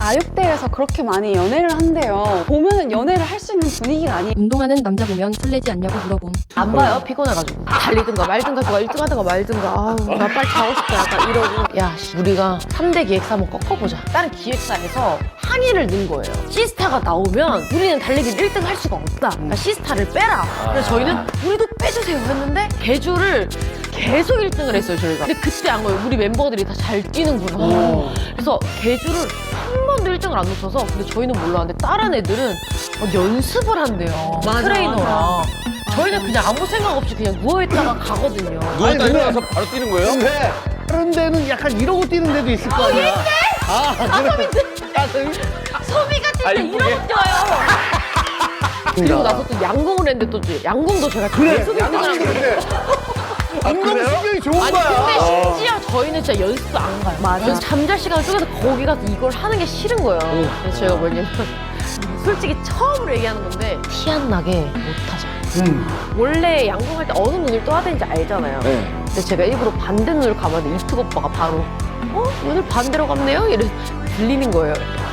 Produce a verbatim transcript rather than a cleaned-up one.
아육대에서 그렇게 많이 연애를 한대요. 보면은 연애를 할 수 있는 분위기가 아니. 운동하는 남자 보면 설레지 않냐고 물어봄. 안 봐요. 피곤해가지고. 달리든가 말든가 누가 일 등 하든가 말든가. 아우 나 빨리 자고 싶다 약간 이러고. 야 씨, 우리가 삼 대 기획사 한번 꺾어보자. 다른 기획사에서 항의를 넣은 거예요. 시스타가 나오면 우리는 달리기를 일 등 할 수가 없다. 그러니까 시스타를 빼라. 그래서 저희는 우리도 빼주세요 했는데 개주를 계속 일 등을 했어요 저희가. 근데 그때 안 거예요. 우리 멤버들이 다 잘 뛰는구나. 그래서 개주를 한 번도 일 등을 안 놓쳐서. 근데 저희는 몰랐는데 다른 애들은 막 연습을 한대요. 맞아, 트레이너랑. 맞아. 저희는 그냥 아무 생각 없이 그냥 누워있다가 가거든요. 누웠다 아니, 일어나서 바로 뛰는 거예요? 근데 다른 데는 약간 이러고 뛰는 데도 있을 거 아니야. 아, 그래. 가슴이. 소미가 진짜 아, 이러고 이쁘게? 뛰어요. 그리고 나서 또 양궁을 했는데 또 양궁도 제가 그래. 계속 일 등을 한 거예요. 근데 운동신경이 좋은 아니 거야. 근데 심지어 저희는 진짜 연습도 안 가요. 맞아. 잠잘 시간을 쪼개서 거기 가서 이걸 하는 게 싫은 거예요. 그래서 제가 뭐냐면 솔직히 처음으로 얘기하는 건데 티 안 나게 못하자. 음. 원래 양궁할 때 어느 눈을 떠야 되는지 알잖아요. 네. 근데 제가 일부러 반대 눈을 감았는데 이특 오빠가 바로 어? 눈을 반대로 감네요? 이래 들리는 거예요.